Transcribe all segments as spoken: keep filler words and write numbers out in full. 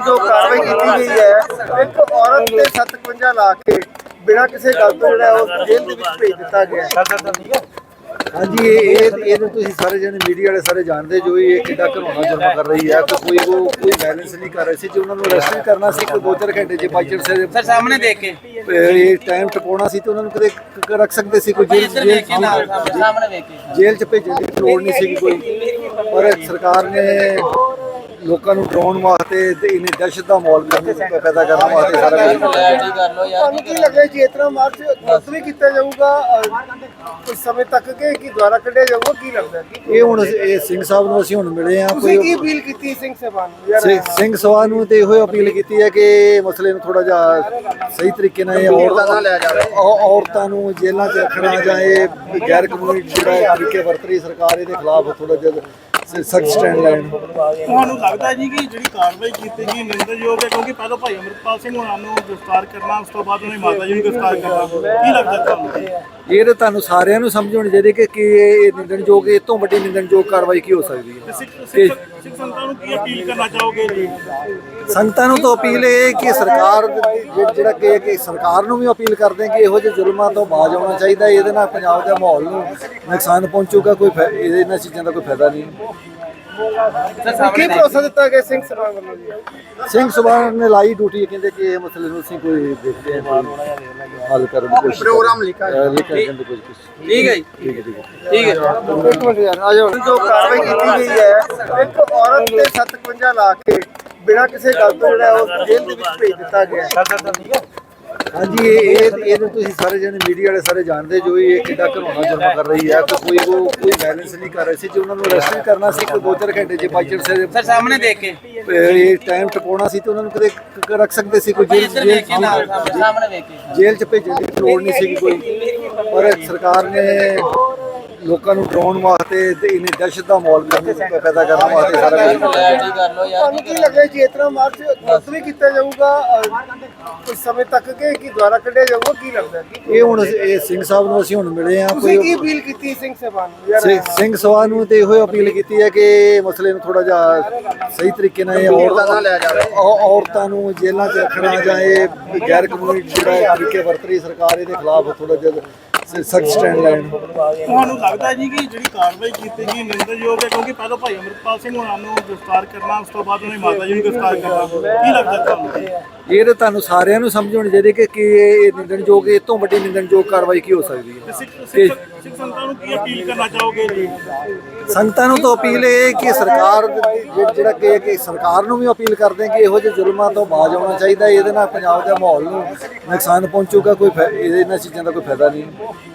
जो कार्रवाई की गई है एक औरत ने सत्तवंजा ला के बिना किसी गल तो जो जेल के भेज दिता गया। हाँ जी, ये ये तो सारे जने मीडिया वाले सारे जानते जो ये कितना घिनौना जुर्म कर रही है। तो कोई वो कोई बैलेंस नहीं कर रही सी, जो उन्होंने अरेस्ट भी करना सी कोई दो चार घंटे बाई चांस सर सामने देख के ये टाइम टपाना सी तो उन्होंने कदे रख सकते सी, कोई जेल जेल जेल च भेजने की लोड़ नहीं सी कोई। पर सरकार ने लोगों को डराने वास्ते इन्हें दहशत का माहौल पैदा करने वास्ते सारा की लगे जी इतना मार्च रद्द भी किया जाऊगा कुछ समय तक के कि द्वारा कढ़िया जाऊगा की लगता है। ये हुण सिंह साहब नूं असीं हुण मिले हैं, कोई की अपील की सिंह साहबान सिंह साहबान नूं ते इहो अपील की है कि मसले नूं थोड़ा जिहा सही तरीके नाल औरतां नूं जेलां च रखना जां इह गैर कानूनी जिहड़ा तरीके वरत रही सरकार इहदे खिलाफ थोड़ा जिहा सख्त स्टैंड लैन। ਤੁਹਾਨੂੰ ਲੱਗਦਾ ਹੈ ਜੀ ਕਿ ਜਿਹੜੀ ਕਾਰਵਾਈ ਕੀਤੀ ਗਈ ਨਿੰਦਣਯੋਗ ਹੈ, ਕਿਉਂਕਿ ਪਹਿਲਾਂ ਭਾਈ ਅਮਰਿਤਪਾਲ ਸਿੰਘ ਹੋਣਾ ਨੂੰ ਗ੍ਰਿਫਤਾਰ ਕਰਨਾ, ਉਸ ਤੋਂ ਬਾਅਦ ਉਹਨੇ ਮਾਤਾ ਜੀ ਨੂੰ ਗ੍ਰਿਫਤਾਰ ਕਰਨਾ, ਕੀ ਲੱਗਦਾ ਤੁਹਾਨੂੰ? ਇਹ ਤਾਂ ਤੁਹਾਨੂੰ ਸਾਰਿਆਂ ਨੂੰ ਸਮਝ ਹੋਣੀ ਚਾਹੀਦੀ ਕਿ ਕੀ ਇਹ ਨਿੰਦਣਯੋਗ ਇਹ ਤੋਂ ਵੱਡੀ ਨਿੰਦਣਯੋਗ ਕਾਰਵਾਈ ਕੀ ਹੋ ਸਕਦੀ ਹੈ। ਸਿੱਖ ਸੰਗਤਾਂ ਨੂੰ ਕੀ ਅਪੀਲ ਕਰਨਾ ਚਾਹੋਗੇ ਜੀ? ਸੰਗਤਾਂ ਨੂੰ ਤਾਂ ਅਪੀਲ ਇਹ ਕਿ ਸਰਕਾਰ ਜਿਹੜਾ ਕਿ ਕਿ ਸਰਕਾਰ ਨੂੰ ਵੀ ਅਪੀਲ ਕਰਦੇ ਕਿ ਇਹੋ ਜਿਹੇ ਜ਼ੁਲਮਾਂ ਤੋਂ ਬਾਜ਼ ਆਉਣਾ ਚਾਹੀਦਾ। ਇਹਦੇ ਨਾਲ ਪੰਜਾਬ ਦੇ ਮਾਹੌਲ ਨੂੰ ਨੁਕਸਾਨ ਪਹੁੰਚੂਗਾ, ਕੋਈ ਇਹਦੇ ਇਹਨਾਂ ਚੀਜ਼ਾਂ ਦਾ ਕੋਈ ਫਾਇਦਾ ਨਹੀਂ। ਕੀ ਭਰੋਸਾ ਦਿੱਤਾ ਗਿਆ ਸਿੰਘ ਸਭਾਨ ਵੱਲੋਂ ਜੀ? ਸਿੰਘ ਸਭਾਨ ਨੇ ਲਾਈ ਡਿਊਟੀ, ਕਹਿੰਦੇ ਕਿ ਇਹ ਮਸਲੇ ਨੂੰ ਅਸੀਂ ਕੋਈ ਦੇਖਦੇ ਹਾਂ ਹੱਲ ਕਰਨ ਦੀ ਕੋਸ਼ਿਸ਼ ਪ੍ਰੋਗਰਾਮ ਲਿਖਾ ਲਿਖਣ ਦੀ ਕੋਸ਼ਿਸ਼। ਠੀਕ ਹੈ ਜੀ, ਠੀਕ ਹੈ ਠੀਕ ਹੈ ਠੀਕ ਹੈ ਇੱਕ ਮਿੰਟ ਯਾਰ ਆ ਜਾਓ। ਜੋ ਕਾਰਵਾਈ ਕੀਤੀ ਗਈ ਹੈ ਇੱਕ ਔਰਤ ਨੇ ਸੱਤਵੰਜਾ ਲਾ ਕੇ ਬਿਨਾ ਕਿਸੇ ਗੱਲ ਤੋਂ ਜਿਹੜਾ ਜੇਲ੍ਹ ਦੇ ਵਿੱਚ ਭੇਜ ਦਿੱਤਾ ਗਿਆ। हाँ जी, ये ये तो सारे जने मीडिया वाले सारे जानते जो ये कितना घिनौना जुर्म कर रही है। तो कोई वो कोई बैलेंस नहीं कर रही सी, जो उन्होंने अरेस्ट भी करना सी कोई दो चार घंटे बाई चांस सर सामने देख के ये टाइम टपाना सी तो उन्होंने कदे रख सकते सी, कोई जेल जेल जेल च भेजने की लोड़ नहीं सी कोई। पर सरकार ने लोगों को डराने वास्ते इन्हें दहशत का माहौल पैदा करने वास्ते सारा की लगे जी इतना मार्च रद्द भी किया जाऊगा कुछ समय तक के कि द्वारा कढ़िया जाऊगा की लगता है। ये हुण सिंह साहब नूं असीं हुण मिले हैं, कोई की अपील की सिंह साहबान सिंह साहबान नूं ते इहो अपील की है कि मसले नूं थोड़ा जिहा सही तरीके नाल औरतां नूं जेलां च रखना जां इह गैर कानूनी जिहड़ा तरीके वरत रही सरकार इहदे खिलाफ थोड़ा जिहा सख्त स्टैंड लैन। ਤੁਹਾਨੂੰ ਲੱਗਦਾ ਹੈ ਜੀ ਕਿ ਜਿਹੜੀ ਕਾਰਵਾਈ ਕੀਤੀ ਗਈ ਨਿੰਦਣਯੋਗ ਹੈ, ਕਿਉਂਕਿ ਪਹਿਲਾਂ ਭਾਈ ਅਮਰਿਤਪਾਲ ਸਿੰਘ ਹੋਣਾ ਨੂੰ ਗ੍ਰਿਫਤਾਰ ਕਰਨਾ, ਉਸ ਤੋਂ ਬਾਅਦ ਉਹਨੇ ਮਾਤਾ ਜੀ ਨੂੰ ਗ੍ਰਿਫਤਾਰ ਕਰਨਾ, ਕੀ ਲੱਗਦਾ ਤੁਹਾਨੂੰ? ਇਹ ਤਾਂ ਤੁਹਾਨੂੰ ਸਾਰਿਆਂ ਨੂੰ ਸਮਝ ਹੋਣੀ ਚਾਹੀਦੀ ਕਿ ਕੀ ਇਹ ਨਿੰਦਣਯੋਗ ਇਹ ਤੋਂ ਵੱਡੀ ਨਿੰਦਣਯੋਗ ਕਾਰਵਾਈ ਕੀ ਹੋ ਸਕਦੀ ਹੈ। ਸਿੱਖ ਸੰਗਤਾਂ ਨੂੰ ਕੀ ਅਪੀਲ ਕਰਨਾ ਚਾਹੋਗੇ ਜੀ? ਸੰਗਤਾਂ ਨੂੰ ਤਾਂ ਅਪੀਲ ਇਹ ਕਿ ਸਰਕਾਰ ਜਿਹੜਾ ਕਿ ਕਿ ਸਰਕਾਰ ਨੂੰ ਵੀ ਅਪੀਲ ਕਰਦੇ ਕਿ ਇਹੋ ਜਿਹੇ ਜ਼ੁਲਮਾਂ ਤੋਂ ਬਾਜ਼ ਆਉਣਾ ਚਾਹੀਦਾ। ਇਹਦੇ ਨਾਲ ਪੰਜਾਬ ਦੇ ਮਾਹੌਲ ਨੂੰ ਨੁਕਸਾਨ ਪਹੁੰਚੂਗਾ, ਕੋਈ ਇਹਦੇ ਇਹਨਾਂ ਚੀਜ਼ਾਂ ਦਾ ਕੋਈ ਫਾਇਦਾ ਨਹੀਂ।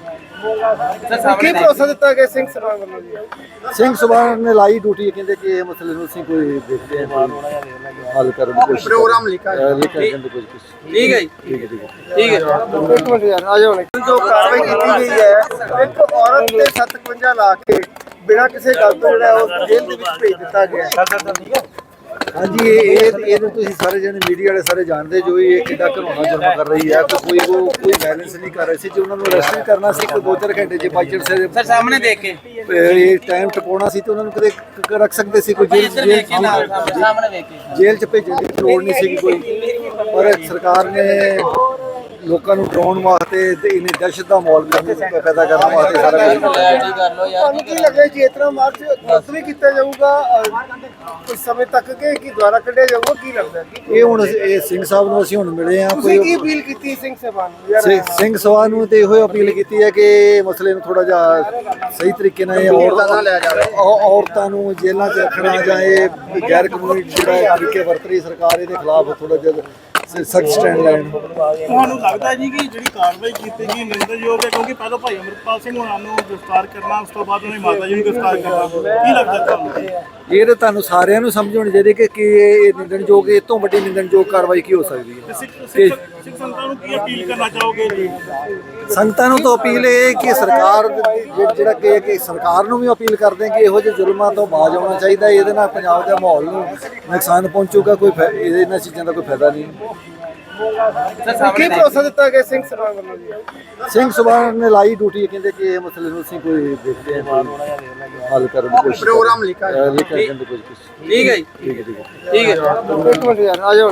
ਕੀ ਭਰੋਸਾ ਦਿੱਤਾ ਗਿਆ ਸਿੰਘ ਸਭਾਨ ਵੱਲੋਂ ਜੀ? ਸਿੰਘ ਸਭਾਨ ਨੇ ਲਾਈ ਡਿਊਟੀ, ਕਹਿੰਦੇ ਕਿ ਇਹ ਮਸਲੇ ਨੂੰ ਅਸੀਂ ਕੋਈ ਦੇਖਦੇ ਹਾਂ ਹੱਲ ਕਰਨ ਦੀ ਕੋਸ਼ਿਸ਼। ਪ੍ਰੋਗਰਾਮ ਲਿਖਾ ਲਿਖਣ ਦੀ ਕੋਸ਼ਿਸ਼। ਠੀਕ ਹੈ ਜੀ, ਠੀਕ ਹੈ ਠੀਕ ਹੈ ਠੀਕ ਹੈ ਇੱਕ ਮਿੰਟ ਯਾਰ ਆ ਜਾਓ। ਜੋ ਕਾਰਵਾਈ ਕੀਤੀ ਗਈ ਹੈ ਇੱਕ ਔਰਤ ਨੇ ਸੱਤਵੰਜਾ ਲਾ ਕੇ ਬਿਨਾ ਕਿਸੇ ਗੱਲ ਤੋਂ ਜਿਹੜਾ ਜੇਲ੍ਹ ਦੇ ਵਿੱਚ ਭੇਜ ਦਿੱਤਾ ਗਿਆ। हाँ जी, ये ये तो सारे जने मीडिया वाले सारे जानते जो ये कितना घिनौना जुर्म कर रही है। तो कोई वो कोई बैलेंस नहीं कर रही सी, जो उन्होंने अरेस्ट भी करना सी कोई दो चार घंटे बाई चांस सर सामने देख के ये टाइम टपाना सी तो उन्होंने कदे रख सकते सी, कोई जेल जेल जेल च भेजने की लोड़ नहीं सी कोई। पर सरकार ने लोगों को डराने वास्ते इन्हें दहशत का माहौल पैदा करने वास्ते सारा की लगे जी इतना मार्च रद्द भी किया जाऊगा कुछ समय तक के कि द्वारा कढ़िया जाऊगा की लगता है। ये हुण सिंह साहब नूं असीं हुण मिले हैं, कोई की अपील की सिंह साहबान सिंह साहबान नूं ते इहो अपील की है कि मसले नूं थोड़ा जिहा सही तरीके नाल औरतां नूं जेलां च रखना जां इह गैर कानूनी जिहड़ा तरीके वरत रही सरकार इहदे खिलाफ थोड़ा जिहा सख्त स्टैंड लैन। ਤੁਹਾਨੂੰ ਲੱਗਦਾ ਹੈ ਜੀ ਕਿ ਜਿਹੜੀ ਕਾਰਵਾਈ ਕੀਤੀ ਗਈ ਨਿੰਦਣਯੋਗ ਹੈ, ਕਿਉਂਕਿ ਪਹਿਲਾਂ ਭਾਈ ਅਮਰਿਤਪਾਲ ਸਿੰਘ ਹੋਣਾ ਨੂੰ ਗ੍ਰਿਫਤਾਰ ਕਰਨਾ, ਉਸ ਤੋਂ ਬਾਅਦ ਉਹਨੇ ਮਾਤਾ ਜੀ ਨੂੰ ਗ੍ਰਿਫਤਾਰ ਕਰਨਾ, ਕੀ ਲੱਗਦਾ ਤੁਹਾਨੂੰ? ਇਹ ਤਾਂ ਤੁਹਾਨੂੰ ਸਾਰਿਆਂ ਨੂੰ ਸਮਝ ਹੋਣੀ ਚਾਹੀਦੀ ਕਿ ਕੀ ਇਹ ਨਿੰਦਣਯੋਗ ਇਹ ਤੋਂ ਵੱਡੀ ਨਿੰਦਣਯੋਗ ਕਾਰਵਾਈ ਕੀ ਹੋ ਸਕਦੀ ਹੈ। ਸਿੱਖ ਸੰਗਤਾਂ ਨੂੰ ਕੀ ਅਪੀਲ ਕਰਨਾ ਚਾਹੋਗੇ ਜੀ? ਸੰਗਤਾਂ ਨੂੰ ਤਾਂ ਅਪੀਲ ਇਹ ਕਿ ਸਰਕਾਰ ਜਿਹੜਾ ਕਿ ਕਿ ਸਰਕਾਰ ਨੂੰ ਵੀ ਅਪੀਲ ਕਰਦੇ ਕਿ ਇਹੋ ਜਿਹੇ ਜ਼ੁਲਮਾਂ ਤੋਂ ਬਾਜ਼ ਆਉਣਾ ਚਾਹੀਦਾ। ਇਹਦੇ ਨਾਲ ਪੰਜਾਬ ਦੇ ਮਾਹੌਲ ਨੂੰ ਨੁਕਸਾਨ ਪਹੁੰਚੂਗਾ, ਕੋਈ ਇਹਦੇ ਇਹਨਾਂ ਚੀਜ਼ਾਂ ਦਾ ਕੋਈ ਫਾਇਦਾ ਨਹੀਂ। ਕੀ ਭਰੋਸਾ ਦਿੱਤਾ ਗਿਆ ਸਿੰਘ ਸਭਾ ਵੱਲੋਂ ਜੀ? ਸਿੰਘ ਸਭਾ ਨੇ ਲਾਈ ਡਿਊਟੀ, ਕਹਿੰਦੇ ਕਿ ਇਹ ਮਸਲੇ ਨੂੰ ਅਸੀਂ ਕੋਈ ਦੇਖਦੇ ਹਾਂ, ਕੋਈ ਹੱਲ ਕਰਨ ਦੀ ਕੋਸ਼ਿਸ਼ ਪ੍ਰੋਗਰਾਮ ਲਿਖਾ ਲਿਖਣ ਦੀ ਕੋਸ਼ਿਸ਼। ਠੀਕ ਹੈ ਜੀ ਠੀਕ ਹੈ ਠੀਕ ਹੈ ਠੀਕ ਹੈ ਇੱਕ ਮਿੰਟ ਯਾਰ ਆ ਜਾਓ।